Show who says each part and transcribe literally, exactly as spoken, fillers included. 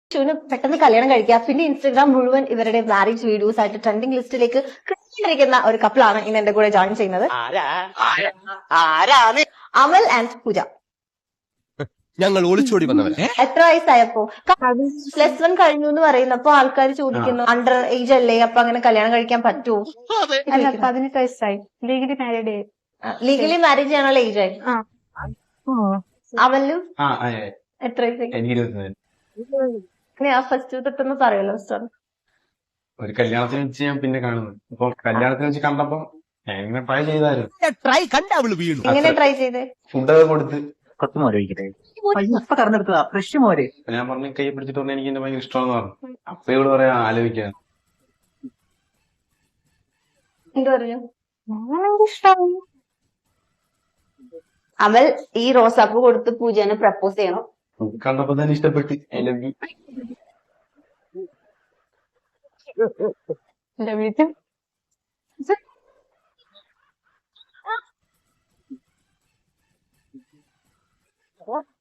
Speaker 1: ശിവന് പെട്ടെന്ന് കല്യാണം കഴിക്കുക. പിന്നെ ഇൻസ്റ്റഗ്രാം മുഴുവൻ ഇവരുടെ മാരേജ് വീഡിയോസ് ആയിട്ട് ട്രെൻഡിങ് ലിസ്റ്റിലേക്ക് കയറിയിരിക്കുന്ന ഒരു കപ്പിളാണ് ഇന്ന് എന്റെ കൂടെ ജോയിൻ ചെയ്യുന്നത്. അമൽ ആൻഡ് പൂജ.
Speaker 2: ഞങ്ങൾ ഒളിച്ചോടി വന്നവരെ.
Speaker 1: എത്ര വയസ്സായപ്പോ? പ്ലസ് വൺ കഴിഞ്ഞു എന്ന് പറയുന്നപ്പോ ആൾക്കാർ ചോദിക്കുന്നു അണ്ടർ ഏജ് അല്ലേ, അപ്പൊ അങ്ങനെ കല്യാണം കഴിക്കാൻ പറ്റുമോ?
Speaker 3: അല്ല, പതിനെട്ട് വയസ്സായി. Legally married.
Speaker 1: ലീഗലി മാരേജ് ചെയ്യാനുള്ള ഏജ് ആയി. അവലും എത്ര വയസ്സായി? ഫസ്റ്റ് തൊട്ടൊന്ന് പറയല്ലോ.
Speaker 4: ഒരു കല്യാണത്തിന് വെച്ച് ഞാൻ പിന്നെ കാണുന്നു. അപ്പൊ കല്യാണത്തിന് വെച്ച് കണ്ടപ്പോ ഞാൻ ട്രൈ ചെയ്തായിരുന്നു.
Speaker 2: ട്രൈ കണ്ട അവള് വീണു.
Speaker 1: എങ്ങനെ ട്രൈ ചെയ്തേ?
Speaker 4: ഫുഡൊക്കെ കൊടുത്ത്
Speaker 5: ഇപ്പൊ കറന്നെടുത്തതാ ഫ്രഷ് മോര്.
Speaker 4: ഞാൻ പറഞ്ഞു കൈ പിടിച്ചിട്ട് പറഞ്ഞു എനിക്ക് എന്റെ ഭയങ്കര ഇഷ്ടമാണെന്ന് പറഞ്ഞു. അപ്പൊ ഇവിടെ പറയാ ആലോചിക്കാൻ.
Speaker 1: എന്ത് പറഞ്ഞു? അമൽ ഈ റോസാപ്പ് കൊടുത്ത് പൂജനെ പ്രപ്പോസ് ചെയ്യണം.
Speaker 4: കണ്ടപ്പോ തന്നെ ഇഷ്ടപ്പെട്ട് I love you.
Speaker 3: Love U.